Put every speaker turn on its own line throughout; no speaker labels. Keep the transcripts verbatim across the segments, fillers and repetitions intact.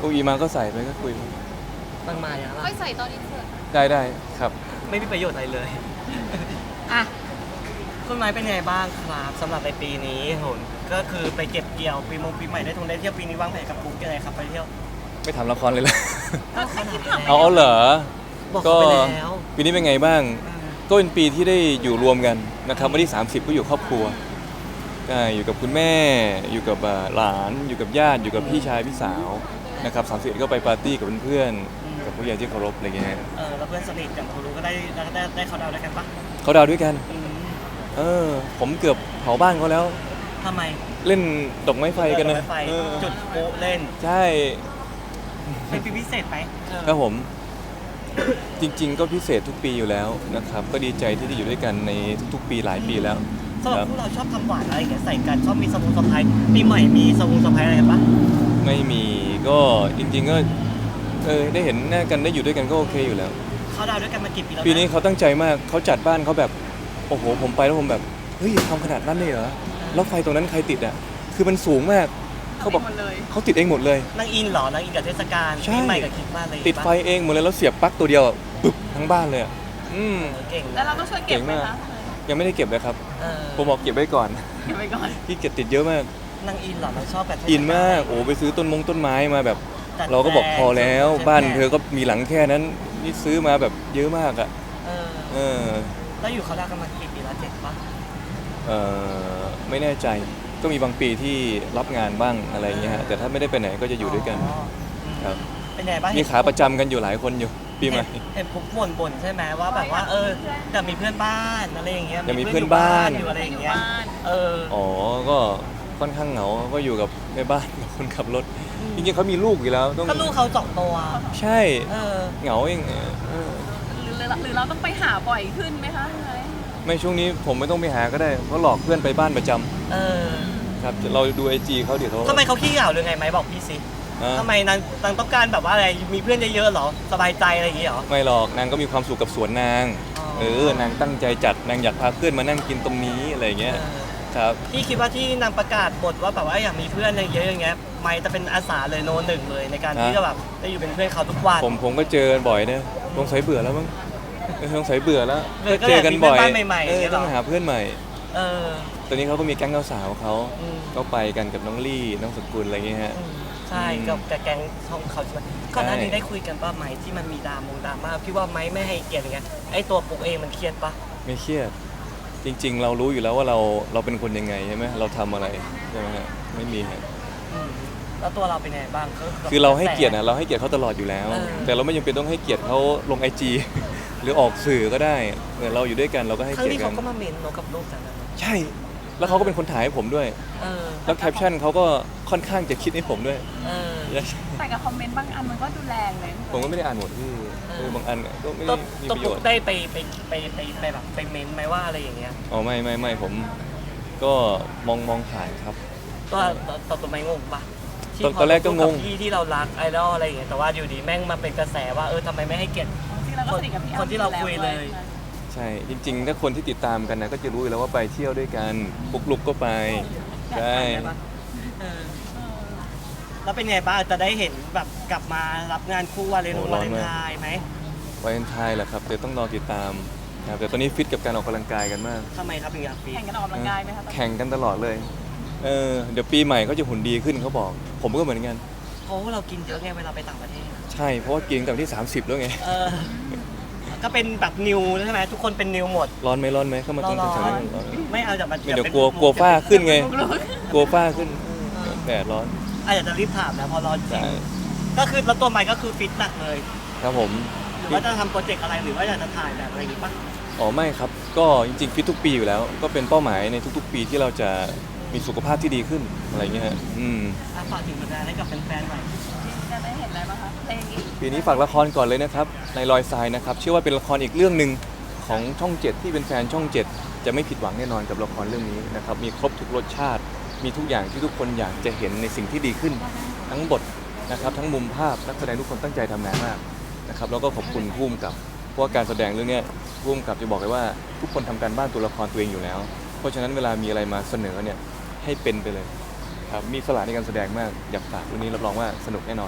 อุยมาก็ใส่ไปก็คุย
ตั้งมาอย่างไร
ค่อยใส่ตอนอินเสิร์ต
ได้ได้ครับ
ไม่มีประโยชน์อะไรเลยอ่ะคุณไม้เป็นไงบ้างครับสำหรับในปีนี้โหนก็คือไปเก็บเกี่ยวปีมงปีใหม่ได้ทงได้เที่ยวปีนี้วางแผนกับปุ๊กยังไงครับไปเที่ยว
ไม่ทำละครเลยละ
ก็ขนาด
เอาเอาเหรอ
บอก
ก็
เขาไปแล้ว
ปีนี้เป็นไงบ้าง ก็เป็นปีที่ได้อยู่รวมกันนะครับวันที่สามสิบก็อยู่ครอบครัวก็อยู่กับคุณแม่อยู่กับอ่าหลานอยู่กับญาติอยู่กับพี่ชายพี่สาวนะครับสามสิบก็ไปปาร์ตี้กับเพื่อนๆกับผู้ใหญ่ที่เคารพอะไรเงี้ย
เออแล้วเพื่อนสนิทอย่างครูรู้ก็ได้ได้ได้ได้เขาดาวด้วยกันปะ
เขาดาวด้วยกัน
อืม
เออผมเกือบเผาบ้านเขาแล้ว
ทำไม
เล่นดอกไม้ไฟกันนะ
ดอไฟ
เออ
จุดโป๊ะเล่น
ใช่
เป็นปีพิเศษไหมเออ
ครับผมจริง ๆ ก็พิเศษทุกปีอยู่แล้วนะครับก็ดีใจที่ได้อยู่ด้วยกันในทุกๆปีหลายปีแล้ว
สำห
ค
รั
รั
บบ พวกเราชอบทำหวานอะไรอย่างเงี้ยใส่กันชอบมีสมุนสะพายปีใหม่มีสมุนสะพายอะไรกันปะ
ไม่มีก็จริง ๆ ก็เออได้เห็นหน้ากันได้อยู่ด้วยกันก็โอเคอยู่แล้ว
เขาดาวด้วยกันมากี่ปีแล้วะ
ปีนี้เขาตั้งใจมากเขาจัดบ้านเขาแบบโอ้โหผมไปแล้วผมแบบเฮ้ยทำขนาดนั้นเลยเหรอแล้วไฟตรงนั้นใครติดอ่ะคือมันสูงมากเขาบอก
หมดเลย
เขาติดเองหมดเลย
นางอินเหรอนางอินกับเทศกาล
ใช่
ปีใหม่กับคริสต์มาสอะไรอย่าง
ติด
งี้ปะ
ไฟเองหมดเลยแล้วเสียบปลั๊กตัวเดียวอะปึ๊บทั้งบ้านเลยอะอืม
เออเก่ง
แล้วเราก็ช่วยเก็บไหมคะ
ยังไม่ได้เก็บเลยครับ
เออ
ผมบอกเก็บไว้ก่อน
เก็บไว้ก่อน
ที่เก็บติดเยอะมาก
นางอินเหรอนางชอบแบบเทศ
อินมากโอ้ไปซื้อต้นมงต้นไม้มาแบบ
จัด
เราก็บอกพอแล้ว
ใช่ไหม
บ้านเธอก็มีหลังแค่นั้นนี่ซื้อมาแบบเยอะมากอ่ะ
เออ
เออ
แล้วอยู่เขาดาวกันมากี่ปีแล้วเจ็ดปะ
เออไม่แน่ใจก็มีบางปีที่รับงานบ้างอะไรเงี้ยฮะแต่ถ้าไม่ได้ไปไหนก็จะอยู่ด้วยกัน
อ๋ออืม
ครับ
เป็นไงบ้าง
มีขาประจำกันอยู่หลายคนอยู่ปีใหม่
เห็นเห็นผมบ่นบ่นๆใช่ไหมว่าแบบว่าเออแต่มีเพื่อนบ้านอะไรอย่างเงี้ย
ยังมีเพื่อนบ้าน
อยู่อะไรอย่างเงี้ย
อยู่บ้าน
เออ
อ๋อก็ค่อนข้างเหงาก็อยู่กับแม่บ้านกับคนขับรถจริงๆเขามีลูกอยู่แล้วต้อง
ก็ลูกเขาสองตัว
ใช่
เออ
เหงาเองเออ
หรือหรือเราต้องไปหาบ่อยขึ้นไหมคะพี่ไม้
ไม่ช่วงนี้ผมไม่ต้องไปหาก็ได้เพราะหลอกเพื่อนไปบ้านประจำ
เออ
ครับเราดูไอจีเขาเดี๋ยวเขา
ทำไมเขาขี้เหงาหรือไงไหมบอกพี่สิ
อ่ะ
ทำไมนางนางต้องการแบบว่าอะไรมีเพื่อนเยอะๆเหรอสบายใจอะไรอย่างงี้เหรอ
ไม่หรอกนางก็มีความสุขกับสวนนาง
อ๋อ
เออนางตั้งใจจัดนางอยากพาเพื่อนมานั่งกินตรงนี้อะไรอย่างเงี้ย
เออ
ครับ
พี่คิดว่าที่นางประกาศบทว่าแบบว่าอยากมีเพื่อนเยอะๆอย่างเงี้ยไม่จะเป็นอาสาเลยโนหนึ่งเลยในการที่จะแบบได้อยู่เป็นเพื่อนเขาทุกวัน
ผมผมก็เจอกันบ่อยนะสงสัยเบื่อแล้วมั้งเออสงสัยเบื่อแล้ว
เบื่อก็
เจอกันบ่อย
อยากมีเพื่อนบ้านใหม่ๆ
เอ
อย่างเงี้
อย
เหรอ
ต้องหาเพื่อนใหม่
เออ
ตอนนี้เขาก็มีแก๊งสาวๆเขา
อืม
ก็ไปกันกับน้องลี่น้องสกุลอะไรเงี้ยฮะ
อืมใช่กับกับแก๊งช่องเขาใช่ไหมก่อนหน้านี้ได้คุยกันป่ะไหมที่มันมีดรามงดราม่าพี่ว่าไหมไม่ให้เกียรติอย่างเงี้ยไอตัวปุ๊กเองมันเครียดป่ะ
ไม่เครียดจริง ๆ เรารู้อยู่แล้วว่าเราเราเป็นคนยังไงใช่ไหมเราทำอะไรใช่ไหมฮะไม่มีฮะ
อืมแล้วตัวเราเป็นไงบ้างก็
คือเราให้เกียรตินะเราให้เกียรติเขาตลอดอยู่แล้ว
เออ
แต่เราไม่จำเป็นต้องให้เกียรติเขาลงไอจี หรือออกสื่อก็ได้เออเราอยู่ด้วยกันเราก็ให้
ครั้ง
เกียร
นี้
ติกั
เขา
น
ก็มาเมนโนกับลูกจังนะ
ใช่ แล้วเขาก็เป็นคนถ่ายให้ผมด้วย
เออ
แล้วแคปชั่นเขาก็ค่อนข้างจะคิดให้ผมด้วย
เออ
แต่กับคอมเมนต์บางอันมันก็ดูแรงเลย
ผมก็ไม่ได้อ่านหมดที่
เออ
เออบางอันก็ไม่
ตั
ได้
ว
มี
ตัว
ประโย
ปุ๊ก
ชน์
ได้ไปไปไปไปไปแบบไปเมนไหมว่าอะไรอย่างเงี้ย
อ๋อไม่ไม่ไม่ผมก็มองมองผ่านครับ
ตัวตัวตัวตัวไม่งงปะที่
ตอน
พ
ตอนแรกก็งง
พูดบพี่ที่เรารักไอดอลอะไรอย่างเงี้ยแต่ว่าอยู่ดีแม่งมาเป็นกระแสว่าเออทำไมไม่ให้เกียรติ
จริงๆเราก็สนิทกับพี่อ้ำ
คนที่เราคุยเลย
ใช่จริงๆ ถ้าคนที่ติดตามกันนะก็จะรู้อยู่แล้วว่าไปเที่ยวด้วยกันปุกลุกก็ไปใช่
ได้ปะเออแล้วเป็นไงบ้างจะได้เห็นแบบกลับมารับงานคู่วาเลนวาเลนไทน์ไหม
วาเลนไทน์แหละครับเดี๋ยวต้องรอติดตามครับแต่ตอนนี้ฟิตกับการออกกำลังกายกันมาก
ทำไมครับถึงอยากฟี
แข่งกันออกกำลังกายไหมคะตอนนี้
แข่งกันตลอดเลยเออเดี๋ยวปีใหม่เขาจะหุ่นดีขึ้นเขาบอก ผมก็เหมือนกัน
เพราะว่าเรากินเยอะไงเวลาไปต่างประเทศ
ใช่เพราะว่ากินกับที่ สามสิบแล้วไง
เออ ก็เป็นแบบนิวใช่ไหมทุกคนเป็นนิวหมด
ร้อนไหมร้อนไหมเข้ามาตรง
ร้อน
แถวๆนี้ร้อนไหม
ไม่เอาจากมัน
ไม่เดี๋ยวกลัวกลัวฝ้าขึ้นไงกลัวฝ้าขึ้นแดดร้อน
อาจจะรีบถามนะพอร้อนจริ
ใช่
งก็คือแล้วตัวใหม่ก็คือฟิตหนักเลย
ครับผม
หรือว่าจะทำโปรเจกต์อะไรหรือว่าอยากจะถ่ายแบบอะไรอย่างงี้ปะ
อ๋อไม่ครับก็จริงๆฟิตทุกปีอยู่แล้ว ก็เป็นเป้าหมายในทุกๆ ปีที่เราจะมีสุขภาพที่ดีขึ้นอะไรเงี้ยฮะอืม
อ่ะฝากถึงแฟนๆให้กับแฟนๆหน่อย
จะได้เห็นอะไรบ้างคะเพลงอีก
ปีนี้ฝากละครก่อนเลยนะครับในรอยทรายนะครับเชื่อว่าเป็นละครอีกเรื่องหนึ่งของช่องเจ็ดที่เป็นแฟนช่องเจ็ดจะไม่ผิดหวังแน่นอนกับละครเรื่องนี้นะครับมีครบทุกรสชาติ มีทุกอย่างที่ทุกคนอยากจะเห็นในสิ่งที่ดีขึ้น ทั้งบทนะครับทั้งมุมภาพนักแสดงทุกคนตั้งใจทำงานมากนะครับแล้วก็ขอบคุณผู้กำกับเพราะว่าการแสดงเรื่องนี้ผู้กำกับจะบอกเลยว่าทุกคนทำการบ้านตัวละครตัวเองอยู่แล้ว เพราะฉะนั้นเวลามีอะไรมาเสนอเนี่ยให้เป็นไปเลยครับมีสละในการแสดงมากอยากฝากเรื่องนี้รับรองว่าสนุกแน่นอน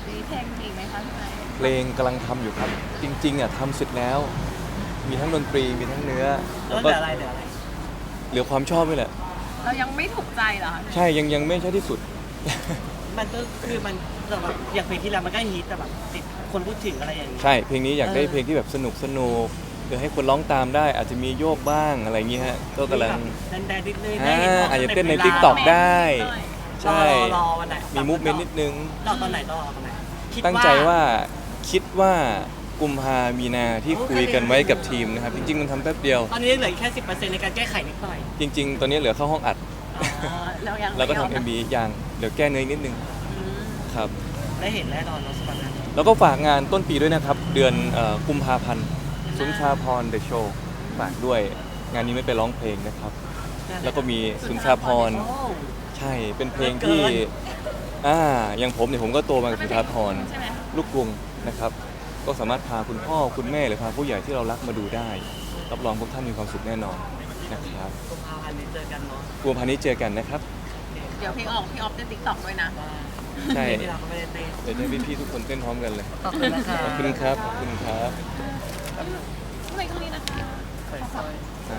มีเพลงอีกไหมคะพี่ไม้
เพลงกำลังทำอยู่ครับ จริงๆอ่ะทำเสร็จแล้ว มีทั้งดนตรีมีทั้งเนื้อ
แล้
แล้ว ว
เห
ก็
ลืออะไรเหลืออะไร
เหลือความชอบนี่แหละ
เรายังไม่ถูกใจเหรอคะ
ใช่ยังยังไม่ใช่ที่สุด
มันก็คือมันแบบอย่างเพลงที่แล้วมันก็ฮิตแต่แบบติดคนพูดถึงอะไรอย่างนี้
ใช่เพลงนี้อยากได้
เออ
เพลงที่แบบสนุกสนุกหรือให้คนร้องตามได้ อาจจะมีโยกบ้างอะไรอย่างเงี้ยฮะก็กำลัง
แดนแดนนิดนึง
อ่า
ได้เห็น
อาจจะเต้นใน
วลา
TikTok ได้ ใช่
รอรอวันไหน
มีมูฟเมนต์นิดนึง
รอตอนไหนต้องรอตอนไหนคิด
ตั้งใจว่าคิดว่ากุมภามีนาที่คุยกันไว้กับทีมนะครับ จริงๆมันทำแป๊บเดียว
ตอนนี้เหลือแค่สิบเปอร์เซ็นต์ในการแก้ไขนิดหน่อย
จริง ๆ ตอนนี้เหลือเข้าห้องอัด
อ๋อ
เรายัง
แล้วก็
ไม่ย
ทำ
ม
เอ็มบีอย่างเดี๋ยวแก้เนื้อนิดนึง
อืม
ครับ
ได้เห็นแน่นอนเนาะสปอนเซอร์
แล้วก็ฝากงานต้นปีด้วยนะครับ เดือนเอ่อกุมภาพันธ์สุนทราพรเดอะโชว์ฝากด้วย งานนี้ไม่ไปร้องเพลงนะครับ แล้วก็มีสุนทราพร
โอ้
ใช่เป็นเพลงที่อ่าอย่างผมเนี่ยผมก็โตมากับสุนทราพร
ใช่ไหม
ลูกกรุงนะครับ ก็สามารถพาคุณพ่อคุณแม่หรือพาผู้ใหญ่ที่เรารักมาดูได้ รับรองพวกท่านมีความสุขแน่นอนนะครับ
กุมภาพันธ์นี้เจอกันเนาะ
กุมภาพันธ์นี้เจอกันนะครับ
เดี๋ยวเพลงออกพี่ออฟเต้นติ๊กต็อกด้วยนะ
ใช่
ที่เราก็ไม่ได้เต้น
เดี๋ยวจะให้พี่ๆทุกคนเต้นพร้อมกันเลย
ขอบคุณนะคะ
ขอบคุณครับขอบคุณครับ
ทำไมตรงนี้นะคะ
สวยๆ